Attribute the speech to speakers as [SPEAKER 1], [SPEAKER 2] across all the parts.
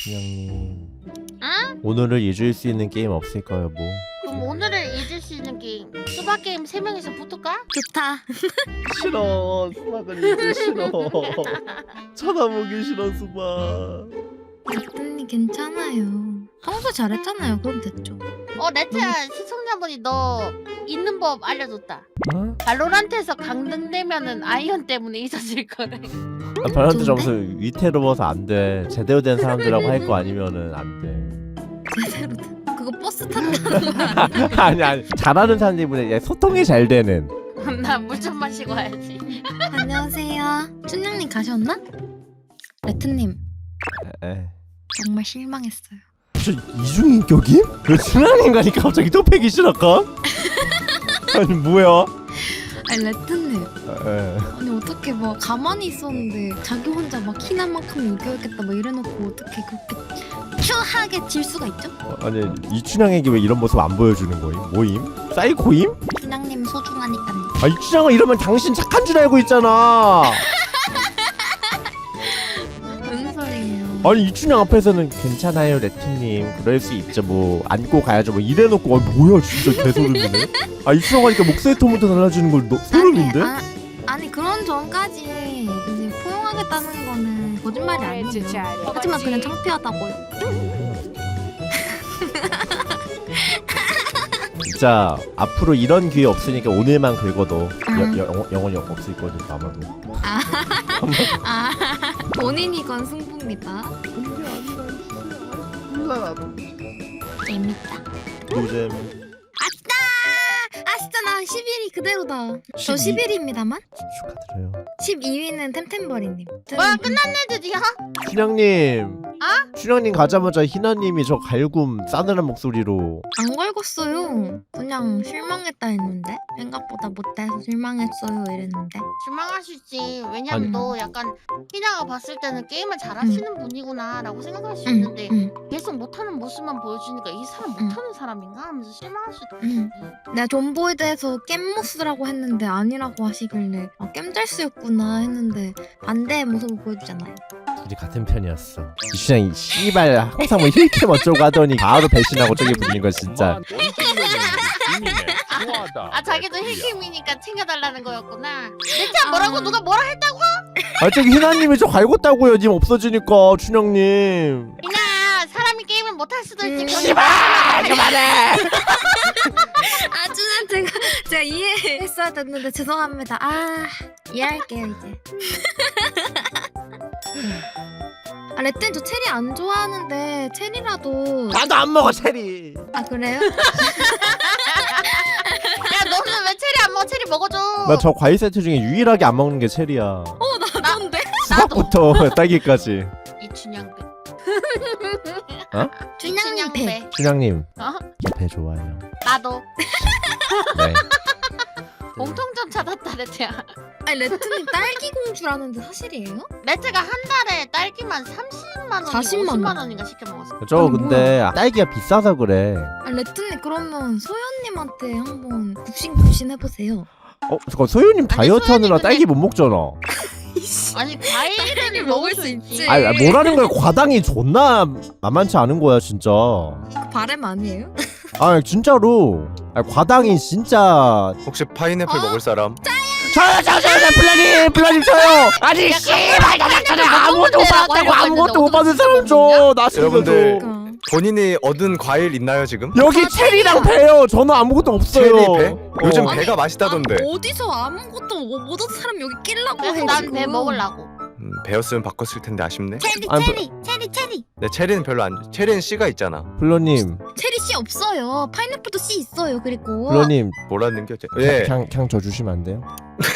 [SPEAKER 1] 춘향님
[SPEAKER 2] 응?
[SPEAKER 1] 오늘을 잊을 수 있는 게임 없을까요 뭐?
[SPEAKER 2] 그럼 오늘을 잊을 수 있는 게임 수박 게임 3명이서 붙을까?
[SPEAKER 3] 좋다.
[SPEAKER 1] 싫어 수박은 이제 싫어 쳐다보기 싫어 수박.
[SPEAKER 3] 레트님 괜찮아요. 평소 잘했잖아요. 그럼 됐죠.
[SPEAKER 2] 레트야 시청자분이 너 있는 법 알려줬다.
[SPEAKER 1] 어?
[SPEAKER 2] 발로란트에서 강등되면은 아이언 때문에 잊어질 거래.
[SPEAKER 1] 아, 발란트
[SPEAKER 3] 좋은데?
[SPEAKER 1] 점수 위태로워서 안돼. 제대로 된 사람들하고 할 거 아니면은 안돼.
[SPEAKER 3] 제대로 된. 그거 버스 탄다는 거 아니야?
[SPEAKER 1] 아니 잘하는 사람들보다 소통이 잘 되는.
[SPEAKER 2] 나 물 좀 마시고 와야지.
[SPEAKER 3] 안녕하세요. 춘향님 가셨나? 레트님
[SPEAKER 1] 에.
[SPEAKER 3] 정말 실망했어요.
[SPEAKER 1] 저 이중인격임? 왜 춘향님 가니까 갑자기 또 패기 싫을까? 아니 뭐야?
[SPEAKER 3] 아니 레트님
[SPEAKER 1] 에.
[SPEAKER 3] 아니 어떻게 막 가만히 있었는데 자기 혼자 막 키난 만큼 이겨야겠다 막 이래놓고 어떻게 그렇게 큐하게 질 수가 있죠?
[SPEAKER 1] 아니 이춘향에게 왜 이런 모습 안 보여주는 거임? 뭐임? 사이코임?
[SPEAKER 3] 춘향님 소중하니까요.
[SPEAKER 1] 아 이춘향아 이러면 당신 착한 줄 알고 있잖아.
[SPEAKER 3] 무슨 소리예요?
[SPEAKER 1] 아니 이춘향 앞에서는 괜찮아요 레트님 그럴 수 있죠 뭐 안고 가야죠 뭐 이래놓고 뭐야 진짜 개소름이네. 아 이춘향 하니까 목소리 톤부터 달라지는 걸 소름인데?
[SPEAKER 3] 아니 그런 전까지 이제 포용하겠다는 거는 거짓말이 아니에요. 하지만 그냥 창피하다고요.
[SPEAKER 1] 진짜 앞으로 이런 기회 없으니까 오늘만 긁어도 영원히 없을 거니까 아마도.
[SPEAKER 3] 아 본인이 건 승부입니다. 재밌다.
[SPEAKER 1] 요즘
[SPEAKER 3] 진짜 나 11위 그대로다. 저
[SPEAKER 1] 12?
[SPEAKER 3] 11위입니다만
[SPEAKER 1] 축하드려요.
[SPEAKER 3] 12위는 템템버리님.
[SPEAKER 2] 뭐야 끝났네 드디어?
[SPEAKER 1] 춘향님 춘향님 가자마자 희나님이 저 갈굼 싸늘한 목소리로
[SPEAKER 3] 안 걸었어요. 그냥 실망했다 했는데 생각보다 못해서 실망했어요 이랬는데.
[SPEAKER 2] 실망하실지. 왜냐면
[SPEAKER 1] 아니.
[SPEAKER 2] 너 약간 희나가 봤을 때는 게임을 잘하시는 분이구나 라고 생각할 수 있는데 계속 못하는 모습만 보여주니까 이 사람 못하는 사람인가 하면서 실망할 수도 있지.
[SPEAKER 3] 내가 존보이드에서 겜모스라고 했는데 아니라고 하시길래 겜잘스였구나 했는데 반대의 모습을 보여주잖아요.
[SPEAKER 1] 둘이 같은 편이었어. 이춘향이 씨발 항상 뭐 힐캠 어쩌고 하더니 바로 배신하고 저기 불린 거 진짜.
[SPEAKER 2] 자기도 힐킹이니까 챙겨달라는 거였구나. 내차 뭐라고 누가 뭐라 했다고?
[SPEAKER 1] 아 저기 희나님이 저 갈궜다고요 님 없어지니까 춘향님.
[SPEAKER 2] 희나 사람이 게임을 못할 수도 있지.
[SPEAKER 1] 씨발 그만해.
[SPEAKER 3] 아주는 제가 이해했어야 됐는데 죄송합니다. 이해할게요 이제. 레트님 저 체리 안 좋아하는데 체리라도.
[SPEAKER 1] 나도 안 먹어 체리.
[SPEAKER 3] 그래요?
[SPEAKER 2] 야 너는 왜 체리 안 먹어? 체리 먹어줘.
[SPEAKER 1] 나 저 과일 세트 중에 유일하게 안 먹는 게 체리야.
[SPEAKER 3] 나던데?
[SPEAKER 1] 수박부터 딸기까지.
[SPEAKER 2] 이춘향배.
[SPEAKER 3] 춘향님 배.
[SPEAKER 1] 춘향님
[SPEAKER 2] 어?
[SPEAKER 1] 배 좋아요.
[SPEAKER 2] 나도.
[SPEAKER 1] 네.
[SPEAKER 2] 공통점 찾았다 레트야.
[SPEAKER 3] 레트님 딸기 공주라는데 사실이에요?
[SPEAKER 2] 레트가 한 달에 딸기만 30만 원,
[SPEAKER 3] 40만
[SPEAKER 2] 50만
[SPEAKER 3] 원.
[SPEAKER 2] 원인가 시켜 먹었어.
[SPEAKER 1] 저
[SPEAKER 3] 아니,
[SPEAKER 1] 근데 딸기가 비싸서 그래.
[SPEAKER 3] 레트님 그러면 소연님한테 한번 굽신굽신 해보세요.
[SPEAKER 1] 잠깐 소유님 다이어트
[SPEAKER 2] 소연이
[SPEAKER 1] 하느라
[SPEAKER 2] 근데-
[SPEAKER 1] 딸기 못 먹잖아.
[SPEAKER 2] 아니 과일을 먹을 수 있지.
[SPEAKER 1] 아니 뭐라는 거야 과당이 존나 만만치 않은 거야 진짜.
[SPEAKER 3] 그 바램 아니에요?
[SPEAKER 1] 아 진짜로. 과당이 진짜.
[SPEAKER 4] 혹시 파인애플 먹을 사람?
[SPEAKER 1] 저요 플라님 저요. 아니 씨발 나 아무것도 못 받았다고 아무것도 못 받은 사람 줘. 나
[SPEAKER 4] 여러분들.
[SPEAKER 3] 그러니까.
[SPEAKER 4] 본인이 얻은 과일 있나요 지금?
[SPEAKER 1] 여기 체리랑 배요. 저는 아무것도 없어요.
[SPEAKER 4] 체리 배? 요즘
[SPEAKER 3] 아니,
[SPEAKER 4] 배가 맛있다던데.
[SPEAKER 3] 어디서 아무것도 못 얻은 사람 여기 끼려고 해
[SPEAKER 2] 그래서 난
[SPEAKER 3] 지금.
[SPEAKER 2] 배 먹으려고.
[SPEAKER 4] 배였으면 바꿨을 텐데 아쉽네.
[SPEAKER 3] 체리
[SPEAKER 1] 아니,
[SPEAKER 3] 체리
[SPEAKER 4] 네, 체리는 별로 안. 체리는 씨가 있잖아.
[SPEAKER 1] 플로님
[SPEAKER 3] 체리 씨 없어요. 파인애플도 씨 있어요. 그리고
[SPEAKER 1] 플로님
[SPEAKER 4] 뭐라는 게? 예.
[SPEAKER 1] 그냥 저 주시면 안 돼요?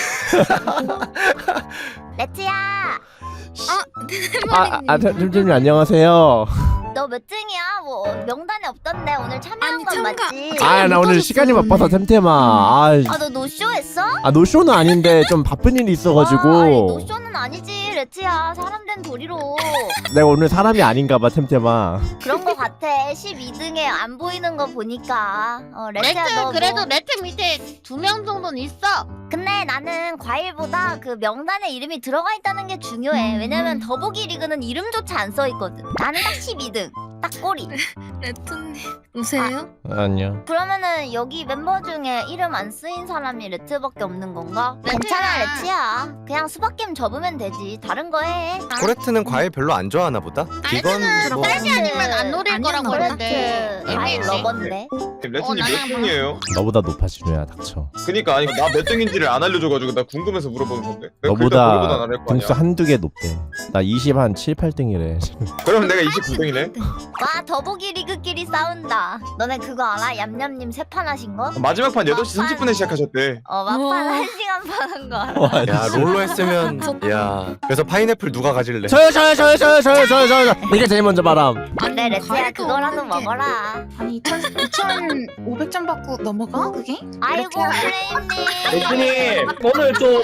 [SPEAKER 5] 레트야,
[SPEAKER 1] 템템님 안녕하세요.
[SPEAKER 5] 너 몇 등이야? 뭐 명단에 없던데 오늘 참여한
[SPEAKER 3] 아니,
[SPEAKER 5] 건
[SPEAKER 3] 참가-
[SPEAKER 5] 맞지?
[SPEAKER 1] 아 나 오늘 시간이
[SPEAKER 3] 오늘.
[SPEAKER 1] 바빠서 템템아.
[SPEAKER 5] 너 노쇼 했어?
[SPEAKER 1] 노쇼는 아닌데 좀 바쁜 일이 있어가지고.
[SPEAKER 5] 와, 아니, 노쇼는 그건 아니지 레트야. 사람 된 도리로.
[SPEAKER 1] 내가 오늘 사람이 아닌가봐 템템아.
[SPEAKER 5] 그런 거 같아. 12등에 안 보이는 거 보니까. 레트야
[SPEAKER 2] 레트
[SPEAKER 5] 너
[SPEAKER 2] 그래도
[SPEAKER 5] 뭐...
[SPEAKER 2] 레트 밑에 2명 정도는 있어.
[SPEAKER 5] 근데 나는 과일보다 그 명단에 이름이 들어가 있다는 게 중요해. 왜냐면 더보기 리그는 이름조차 안 써 있거든. 나는 딱 12등. 딱 꼬리.
[SPEAKER 3] 레트님 오세요?
[SPEAKER 1] 아니요.
[SPEAKER 5] 그러면은 여기 멤버 중에 이름 안 쓰인 사람이 레트밖에 없는 건가?
[SPEAKER 2] 레트야.
[SPEAKER 5] 괜찮아 레트야. 그냥 수박게임 접으면 되지. 다른 거 해.
[SPEAKER 4] 코레트는 과일 별로 안 좋아하나 보다? 이건 뭐
[SPEAKER 2] 딸기 아니면 안 노릴
[SPEAKER 3] 아니야,
[SPEAKER 2] 거라고
[SPEAKER 3] 노래.
[SPEAKER 2] 했는데.
[SPEAKER 5] 과일
[SPEAKER 2] 애매해.
[SPEAKER 5] 러버인데.
[SPEAKER 6] 레트님
[SPEAKER 2] 나랑
[SPEAKER 6] 몇 등이에요?
[SPEAKER 1] 너보다 높아 진우야 닥쳐.
[SPEAKER 6] 그니까 아니 나 몇 등인지를 안 알려줘가지고 나 궁금해서 물어보는 건데. 내가
[SPEAKER 1] 너보다
[SPEAKER 6] 글자 나를 거 아니야.
[SPEAKER 1] 등수 한두 개 높대. 나 20 한 7, 8등이래.
[SPEAKER 6] 그럼 내가 29등이네.
[SPEAKER 5] 와 더보기 리그끼리 싸운다. 너네 그거 알아? 얌얌님 세 판 하신 거?
[SPEAKER 6] 마지막 판 8시 30분에 시작하셨대.
[SPEAKER 5] 막판
[SPEAKER 3] 우와.
[SPEAKER 5] 1시간 파는 거 알아?
[SPEAKER 4] 야 롤로 했으면 야 그래서 파인애플 누가 가질래?
[SPEAKER 1] 저요. 이게 제일 먼저 바람.
[SPEAKER 5] 근데 레트야 그거라도 먹어라.
[SPEAKER 7] 아니 2,500점 받고 넘어가 그게?
[SPEAKER 5] 아이고 플레임님.
[SPEAKER 8] 레트님 오늘 좀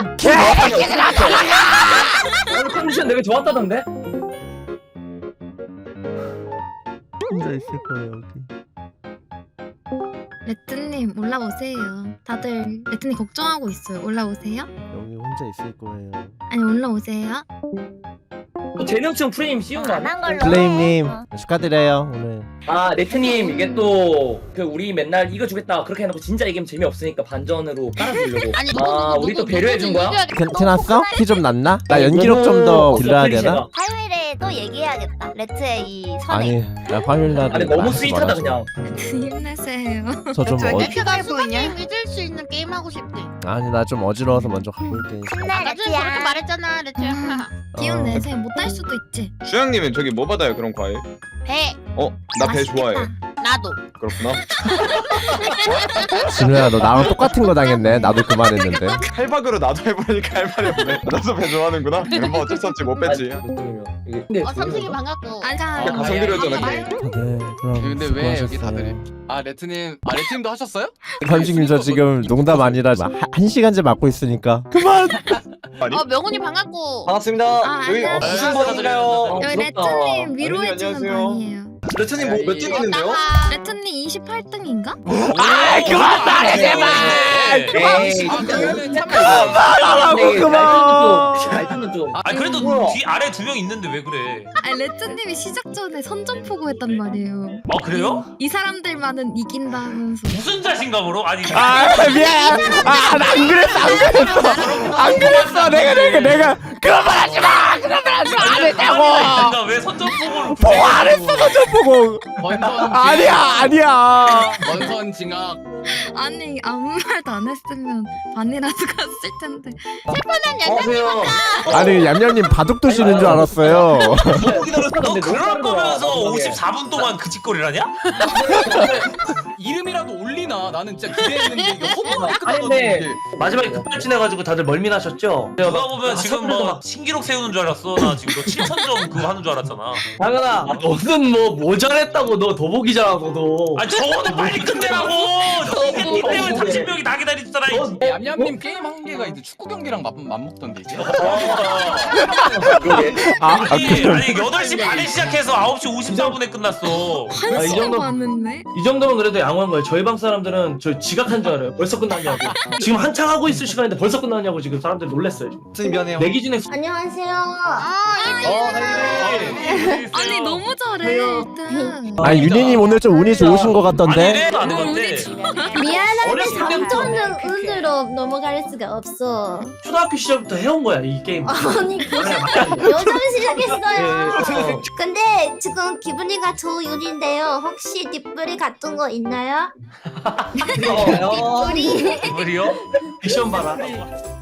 [SPEAKER 8] 오늘 컨디션 되게 좋았다던데?
[SPEAKER 1] 혼자 있을 거예요 여기.
[SPEAKER 3] 레트님 올라오세요. 다들 레트님 걱정하고 있어요. 올라오세요?
[SPEAKER 1] 여기 혼자 있을 거예요.
[SPEAKER 3] 아니 올라오세요.
[SPEAKER 8] 재능층 프레임 씌운 거 아니야?
[SPEAKER 5] 안한 걸로.
[SPEAKER 1] 플레임님
[SPEAKER 5] 해.
[SPEAKER 1] 축하드려요 오늘.
[SPEAKER 8] 아 레트님 이게 또 그 우리 맨날 이거 주겠다 그렇게 해놓고 진짜 이기면 재미없으니까 반전으로 깔아주려고.
[SPEAKER 2] 아니
[SPEAKER 8] 아 우리 또 배려해준 거야?
[SPEAKER 1] 괜찮았어? 키 좀 났나? 나 연기력 좀 더 길러야 되나?
[SPEAKER 5] 화요일에 또 얘기해야겠다. 레트의 이 선행.
[SPEAKER 1] 아니 나 화요일날
[SPEAKER 8] 아니 너무 스윗하다 그냥.
[SPEAKER 3] 힘내세요.
[SPEAKER 1] 저좀
[SPEAKER 7] 왜 이렇게
[SPEAKER 2] 레트가
[SPEAKER 7] 보이냐?
[SPEAKER 2] 수박님 믿을 수 있는 게임 하고 싶대.
[SPEAKER 1] 아니 나 좀 어지러워서 먼저 가볼게.
[SPEAKER 5] 힘내
[SPEAKER 2] 나중에 그렇게
[SPEAKER 5] 레트야.
[SPEAKER 2] 말했잖아 레트야.
[SPEAKER 3] 기운 내세요. 못할 수도 있지.
[SPEAKER 6] 주영님은 저기 뭐 받아요 그런 과일?
[SPEAKER 2] 배.
[SPEAKER 6] 나 배 좋아해.
[SPEAKER 2] 나도.
[SPEAKER 6] 그렇구나.
[SPEAKER 1] 진우야 너 나랑 똑같은 거 당했네. 나도 그만했는데.
[SPEAKER 6] 칼박으로 나도 해보니까 할 말이 없네. 너도 배 좋아하는구나. 뭐 어쩔 수 없지 못 뺐지.
[SPEAKER 8] 근데
[SPEAKER 2] 삼성이 반갑고.
[SPEAKER 3] 아자.
[SPEAKER 6] 야, 가성 들였잖아.
[SPEAKER 1] 네 그럼
[SPEAKER 9] 근데 왜 여기
[SPEAKER 1] 수고하셨어요.
[SPEAKER 9] 다들 레트님 레트님도 하셨어요?
[SPEAKER 1] 관식님 저 지금 농담 아니라 한 시간째 맡고 있으니까 그만.
[SPEAKER 6] 아니?
[SPEAKER 2] 명훈이 반갑고.
[SPEAKER 8] 반갑습니다.
[SPEAKER 3] 아,
[SPEAKER 8] 여기
[SPEAKER 3] 안녕하세요.
[SPEAKER 8] 무슨 번인가요?
[SPEAKER 3] 여기 레트님 위로해주는
[SPEAKER 6] 안녕하세요.
[SPEAKER 3] 방이에요.
[SPEAKER 8] 레트님 뭐 몇 등 있는데요?
[SPEAKER 3] 레트님 28등인가?
[SPEAKER 1] 아 그만 말해 제발.
[SPEAKER 8] 에이
[SPEAKER 1] 말하라고 그만.
[SPEAKER 8] 말투는 좀.
[SPEAKER 10] 아 그래도
[SPEAKER 8] 뭐야?
[SPEAKER 10] 뒤 아래 2명 있는데 왜 그래?
[SPEAKER 3] 아니 레트님이 시작 전에 선전포고 했단 말이에요.
[SPEAKER 10] 아 그래요?
[SPEAKER 3] 이 사람들만은 이긴다 하면서.
[SPEAKER 10] 무슨 자신감으로? 아니
[SPEAKER 1] 아 미안. 아안 그랬어 안 그랬어 내가 그런 말 하지 마. 그런 말 하지 마. 안 했다고.
[SPEAKER 10] 왜 선전포고를
[SPEAKER 1] 보고 안 했어 저 보고.
[SPEAKER 9] 원선
[SPEAKER 1] 아니야.
[SPEAKER 9] 원선 징악.
[SPEAKER 3] 아니 아무 말도 안 했으면 반이라도 갔을 텐데.
[SPEAKER 8] 안녕하세요.
[SPEAKER 1] 아니 얌얌님 바둑 두시는 줄 알았어요.
[SPEAKER 10] 너 그럴 거면서 54분 동안 그 짓거리라냐?
[SPEAKER 9] 이름이라도 올리나? 나는 진짜 기대했는데 이게 허무하게
[SPEAKER 8] 아니
[SPEAKER 9] 끝나거든
[SPEAKER 8] 근데
[SPEAKER 9] 이게.
[SPEAKER 8] 마지막에 급발진해가지고 다들 멀미나셨죠?
[SPEAKER 10] 누가 보면 지금 뭐 신기록 세우는 줄 알았어. 나 지금 너 7,000점 그거 하는 줄 알았잖아.
[SPEAKER 8] 당연아 너는 뭐 모자랬다고 너 더보기잖아 너도.
[SPEAKER 10] 아 저거는 빨리 끝내라고. 이 때문에 30명이 나 기다리잖아.
[SPEAKER 9] 얌얌님 게임 한 개가 이제 축구 경기랑 맞먹던데 이제.
[SPEAKER 10] 아니 8시 반에 시작해서 9시 54분에 끝났어.
[SPEAKER 3] 한
[SPEAKER 8] 이
[SPEAKER 3] 시간
[SPEAKER 8] 정도-
[SPEAKER 3] 봤는데.
[SPEAKER 8] 이 정도면 그래도 양호한 거예요. 저희 방 사람들은 저 지각한 줄 알아요. 벌써 끝났냐고. 지금 한창 하고 있을 시간인데 벌써 끝났냐고 지금 사람들 놀랬어요. 지금.
[SPEAKER 6] 미안해요.
[SPEAKER 8] 내 기준에
[SPEAKER 5] 안녕하세요.
[SPEAKER 3] 아니 너무 잘해 일단.
[SPEAKER 1] 아니 윤희님 오늘 좀 운이 좋으신 것 같던데.
[SPEAKER 10] 아니
[SPEAKER 3] 너무
[SPEAKER 10] 안
[SPEAKER 3] 운이
[SPEAKER 10] 돼.
[SPEAKER 3] 좋아.
[SPEAKER 5] 미안한데
[SPEAKER 8] 어렸을 때부터
[SPEAKER 5] 3점은 운으로 넘어갈 수가 없어.
[SPEAKER 8] 초등학교 시절부터 해온 거야 이 게임.
[SPEAKER 5] 아니 요즘 시작했어요. 근데 지금 기분이가 좋은인데요. 혹시 뒷불이 같은 거 있나요?
[SPEAKER 8] 우리
[SPEAKER 5] 우리
[SPEAKER 10] 우리요?
[SPEAKER 8] 액션 봐라.